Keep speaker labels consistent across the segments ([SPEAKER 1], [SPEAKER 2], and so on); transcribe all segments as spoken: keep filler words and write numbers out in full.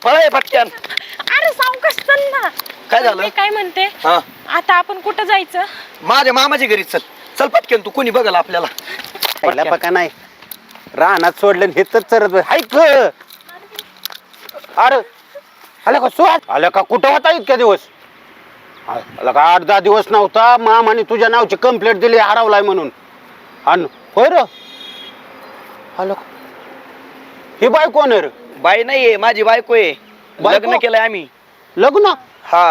[SPEAKER 1] पळाय पटक्यान.
[SPEAKER 2] अरे सावकाश चल ना.
[SPEAKER 1] काय झालं?
[SPEAKER 2] मी काय म्हणते
[SPEAKER 1] हा
[SPEAKER 2] आता आपण कुठं जायचं?
[SPEAKER 1] माझ्या मामाच्या घरी चल. चल पटक्यान तू कोणी बघल आपल्याला.
[SPEAKER 3] पहिला पका नाही रानात सोडलं हे तर चरत ऐक अरे आलं का सुहास आलं का कुठं होता इतक्या दिवस आलं का आठ दहा दिवस नव्हता मामाने तुझ्या नावची कंप्लेंट दिली हरवलाय म्हणून आणि होय र आलं का ही बाई कोण आहे रे
[SPEAKER 1] बाई नाहीये माझी बायको आहे.
[SPEAKER 3] बायको?
[SPEAKER 1] लग्न केलंय आम्ही.
[SPEAKER 3] लग्न
[SPEAKER 1] हा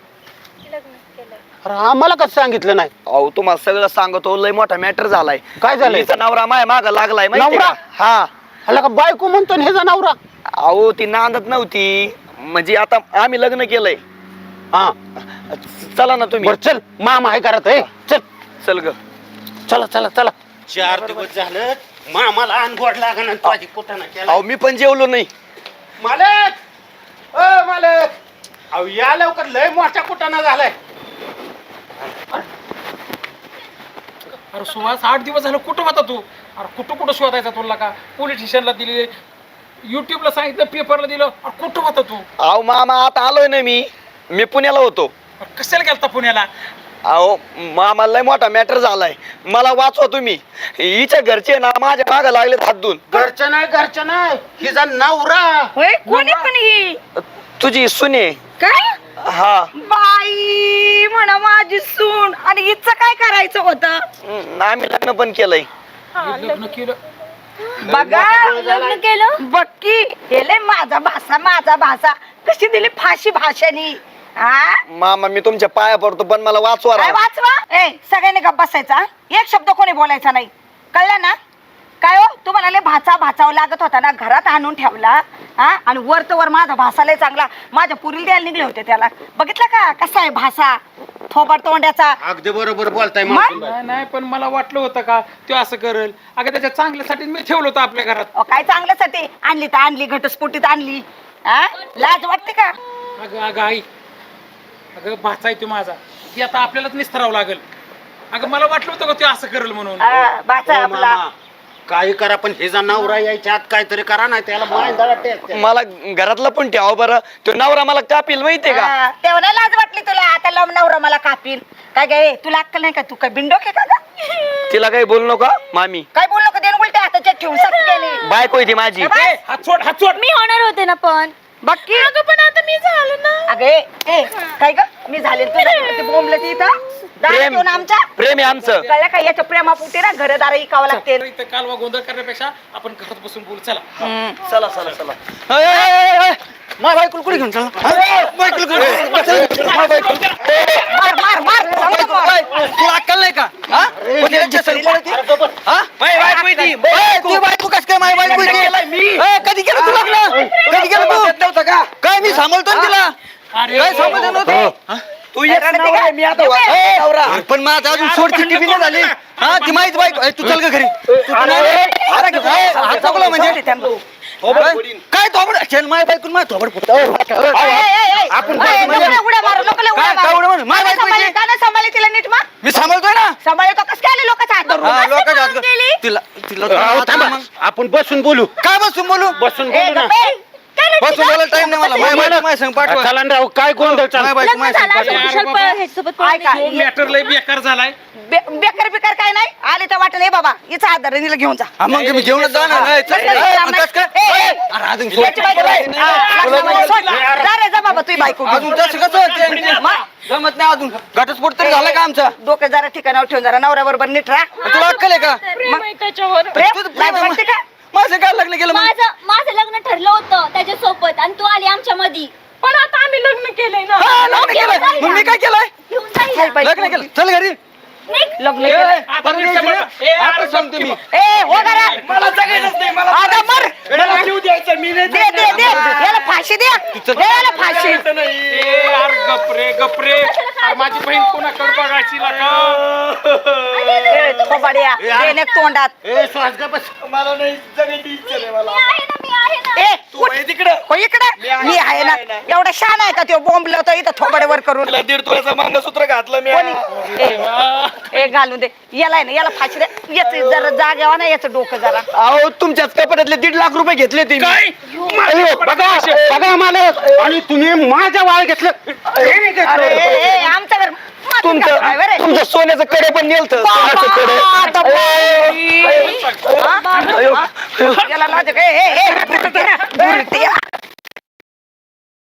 [SPEAKER 3] अरे आम्हाला कसं सांगितलं नाही
[SPEAKER 1] अहो तुम्हाला सगळं सांगतो लय मोठा मॅटर झालाय.
[SPEAKER 3] काय झालंय?
[SPEAKER 1] तिचा नवरा माय माग लागलाय माहिती
[SPEAKER 3] नवरा?
[SPEAKER 1] का? हा
[SPEAKER 3] आलं का बायको म्हणतो ना ह्याचा नवरा
[SPEAKER 1] अहो ती नांदत नव्हती म्हणजे आता आम्ही लग्न केलंय.
[SPEAKER 3] हा
[SPEAKER 1] चला ना तुम्ही.
[SPEAKER 3] बर चल मामा आहे करत आहे चल
[SPEAKER 1] चल ग.
[SPEAKER 3] चला चला चला चार दिवस झालं मामाला अनगोड लागण तुझी कुठं ना केला
[SPEAKER 1] अहो मी पण जेवलो नाही.
[SPEAKER 3] मालक ओ मालक अहो या लवकर लय मोठा कुटाणा झालाय
[SPEAKER 4] अरे सुहास आठ दिवस झालं कुठं होता तू? अरे कुठं कुठं शोधायचा तुला का? पोलीस स्टेशनला दिली, युट्यूबला सांगितलं, पेपरला दिलं. अरे कुठं होता तू?
[SPEAKER 1] अहो मामा आता आलोय ना मी. मी पुण्याला होतो.
[SPEAKER 4] अरे कशाला गेलता पुण्याला?
[SPEAKER 1] अहो मामा लय मोठा मॅटर झालाय. मला वाचवा तुम्ही. हिच्या घरचे ना माझ्या माग लागलेत हात धुवून.
[SPEAKER 3] घरचं नाही घरचं नाही हिचा नवरा
[SPEAKER 2] होय कोणी पण ही
[SPEAKER 1] तुझी सुने.
[SPEAKER 2] काय
[SPEAKER 1] हा
[SPEAKER 2] बाई म्हणा माझी सून आणि हिचं काय करायचं होतं?
[SPEAKER 1] हम्म, आम्ही लग्न पण केलंय.
[SPEAKER 4] लग्न केलं.
[SPEAKER 2] बघा लग्न केलं बक्की गेले माझा भाषा माझा भाषा कशी दिली फाशी भाषानी. हा
[SPEAKER 1] मामा मी तुमच्या पाया पडतो पण मला वाचवा
[SPEAKER 2] काय
[SPEAKER 1] राव.
[SPEAKER 2] वाचवा? ए सगळ्यांनी गप्प बसायचा. एक शब्द कोणी बोलायचा नाही कळलं ना? काय हो तुम्हाला लय भाचा भाचावं लागत होता ना घरात आणून ठेवला हा आणि वर तर वर माझा भासा लय चांगला माझ्या पुरीला द्यायला निघले होते त्याला. बघितलं का कसा आहे भाषा थोबड तोंड्याचा.
[SPEAKER 3] अगदी बरोबर बोलताय
[SPEAKER 2] मग?
[SPEAKER 3] मावशीबाई.
[SPEAKER 4] नाही नाही पण मला वाटलं होतं का तो असं करेल. अगं त्याच्या चांगल्यासाठी मी ठेवलं होतं आपल्या घरात.
[SPEAKER 2] अहो, काय चांगल्यासाठी आणली तर आणली घटस्फोटीत आणली. हा लाज वाटते का?
[SPEAKER 4] अगं अगं आई अगं भाचा आहे तो माझा. ती आता आपल्यालाच निस्तरावं लागेल. अगं मला वाटलं होतं का तो असं करेल म्हणून.
[SPEAKER 2] हा, भाचा
[SPEAKER 3] हो,
[SPEAKER 2] आपला
[SPEAKER 3] मामा, काही करा पण हिचा नवरा यायच्या आत काहीतरी करा नाही त्याला मांडळा टेक
[SPEAKER 1] मला घरातला पण ठेवा बरं. तो नवरा मला कापील माहितीये का?
[SPEAKER 2] हा, तेव्हा नाही लाज वाटली तुला आता लम नवरा मला कापील काय गे तुला अक्कल नाही का? तू काय बिंडोक आहे का ग?
[SPEAKER 1] तिला काही बोलू नका मामी.
[SPEAKER 2] काय बोल नको देण उलट्या हाताच्या ठेवून सटकेने
[SPEAKER 1] बायको आहे ती माझी.
[SPEAKER 4] ए, हात सोड हात सोड.
[SPEAKER 2] मी होणार होते ना पण बाकी अगं पण आता मी झालो ना. अगे ए काय ग मी झाले तू बोंबलं ती इथं दारात
[SPEAKER 1] प्रेम
[SPEAKER 2] येऊन आमच्या
[SPEAKER 1] प्रेम आहे आमचं.
[SPEAKER 2] कळलं का? याच्या प्रेमापुटी ना घरदार इकावं लागते.
[SPEAKER 4] इथं कालवा गोंधळ करण्यापेक्षा आपण घरात बसून बोलू चला.
[SPEAKER 1] चला चला चला. अय, अय, अय, अय. माझ्या बायकोला कुठे घेऊन चला? बायकोला कुठे? माझ्या बायकोला.
[SPEAKER 2] मार मार मार चांगलं मार.
[SPEAKER 1] तुला अक्कल नाही का? हा? कोणी यांच्या सरी पळती? हा? माझी बायको आहे ती. ए, तुझी बायको कस काय माझी बायको आहे ती? ए, कधी केलं तू लग्न? कधी केलं तू? नव्हतं का? काय मी सांभाळतो ना तिला.
[SPEAKER 4] अरे
[SPEAKER 1] काय सांभाळतो नव्हतं? तू एक नवरा आहे, मी आता वाचतो नवरा. पण माझा अजून सोडची टीव्ही नाही झाली. हा ती माहित बायको. ए, तू चल ग घरी. तू पण अरे, अरे, ए, हात चावला म्हणजे काय थोबड चल माझ्या बायकून माझ्या थोबड फुटतं. आपण
[SPEAKER 2] उड्या मारू लोक
[SPEAKER 1] काय काय उड्या मारू? माझ्या बायको आहे ती.
[SPEAKER 2] का नाही सांभाळले तिला नीट मग
[SPEAKER 1] मी सांभाळतोय ना.
[SPEAKER 2] सांभाळतो कसं काय आले लोकांचा हात धरून?
[SPEAKER 1] हा,
[SPEAKER 2] असं
[SPEAKER 1] लोकांच्या
[SPEAKER 2] करून
[SPEAKER 1] हात-
[SPEAKER 2] गेली?
[SPEAKER 1] तिला तिला
[SPEAKER 3] अहो, थांबा.
[SPEAKER 1] मग.
[SPEAKER 3] आपण बसून बोलू
[SPEAKER 1] काय बसून बोलू?
[SPEAKER 3] बसून
[SPEAKER 2] ए,
[SPEAKER 3] बोलू ना
[SPEAKER 2] गप्प आहे. काय रडती
[SPEAKER 1] बसून
[SPEAKER 2] का?
[SPEAKER 1] बोलायला टाइम नाही मला. माझ्या बायको माझ्या संग पाठवा.
[SPEAKER 3] चला ना राव काय गोंधळ चालू
[SPEAKER 1] माझ्या बायको माझ्या संग
[SPEAKER 2] लग्न झालं
[SPEAKER 1] पाठवा.
[SPEAKER 2] असं कुशाल पळ ह्याच्यासोबत पळून ऐका,
[SPEAKER 4] तो मॅटर लय बेकार झालाय.
[SPEAKER 2] बे- बेकार बेकार काय नाही आले तर वाटत नाही बाबा हिचा हात धरून हिला घेऊन जा.
[SPEAKER 1] हा, मग मी घेऊनच जाणार. ए, चल,
[SPEAKER 2] कसं
[SPEAKER 1] ए,
[SPEAKER 2] काय?
[SPEAKER 1] मग कसं काय?
[SPEAKER 2] ए, ए,
[SPEAKER 1] अरे, अजून सोड.
[SPEAKER 2] याची बायको आहे. हा, लग्नामध्ये सोड. जा रे जा बाबा तुझी बायको घेऊन.
[SPEAKER 1] अजून तसं कसं होतं?
[SPEAKER 2] मग?
[SPEAKER 1] जमत नाही अजून. घटस्फोट तरी झाला का आमचा?
[SPEAKER 2] डोकं जरा ठिकाणावर ठेवून जरा नवऱ्या बरोबर नीट राहा.
[SPEAKER 1] तुला अक्कल आहे का?
[SPEAKER 2] मग?
[SPEAKER 5] त्याच्यावर
[SPEAKER 2] प्रेम?
[SPEAKER 1] तुझं प्रेम
[SPEAKER 2] लाज
[SPEAKER 1] आहे
[SPEAKER 2] वाटते का?
[SPEAKER 1] माझं काय लग्न केलं मग?
[SPEAKER 5] माझं माझं लग्न ठरलं होतं त्याच्यासोबत आणि तू आली आमच्या मध्ये.
[SPEAKER 2] पण आता आम्ही लग्न केलंय ना.
[SPEAKER 1] हा, लग्न केलंय. मग मी काय केलंय?
[SPEAKER 5] घेऊन जाईल
[SPEAKER 1] लग्न केलं. चल घरी.
[SPEAKER 2] लग्न
[SPEAKER 1] ए,
[SPEAKER 2] केलंय.
[SPEAKER 4] आता नीट
[SPEAKER 1] परदेशी
[SPEAKER 4] सांभाळ.
[SPEAKER 1] रे.
[SPEAKER 4] ए,
[SPEAKER 1] आता
[SPEAKER 4] अरे,
[SPEAKER 1] सांगतो मी.
[SPEAKER 2] ए हो करा
[SPEAKER 1] मला जगायचंच नाही. मला
[SPEAKER 2] आता मर
[SPEAKER 1] मला जीव द्यायचा मी नाही
[SPEAKER 2] दे दे दे याला फाशी द्या दे याला फाशी.
[SPEAKER 4] ए, अरे गपरे गपरे. अरे माझी बहीण कोणाकडे बघायची लागा.
[SPEAKER 2] ए, थोबाड्या देणे तोंडात.
[SPEAKER 3] ए श्वास ग बस
[SPEAKER 1] मला नाही जगायची इच्छा नाही मला.
[SPEAKER 5] मी आहे ना मी आहे ना.
[SPEAKER 2] ए
[SPEAKER 1] तू आहे तिकडं.
[SPEAKER 2] हो इकडे मी आहे ना एवढा शान आहे का तो बोंबल होतो इथं थोबाड्यावर करून.
[SPEAKER 1] तुला दीड तुळाचं मंगळसूत्र घातलं मी.
[SPEAKER 2] कोणी? ए, ए घालून दे याला आहे ना याला फाशी दे याच जरा जाग यावा ना याचं डोकं जरा.
[SPEAKER 1] अहो तुमच्याच कपाटातले दीड लाख रुपये घेतले ते मी.
[SPEAKER 4] काय?
[SPEAKER 1] अयो, बघा ए,
[SPEAKER 3] सगळा मालक आणि तुम्ही माझ्या वाळ घेतलं
[SPEAKER 2] अरे ए, ए, आमचं घर माझं
[SPEAKER 1] तुमचं
[SPEAKER 2] घर आहे बरं.
[SPEAKER 1] तुमचं सोन्याचं कडे पण नेलत
[SPEAKER 2] बाबा,
[SPEAKER 1] कडे
[SPEAKER 2] आता बाई. हा?
[SPEAKER 1] अयो.
[SPEAKER 2] हा? याला लाज आहे का? ए, ए, ए, बुरट्या, बुरट्या.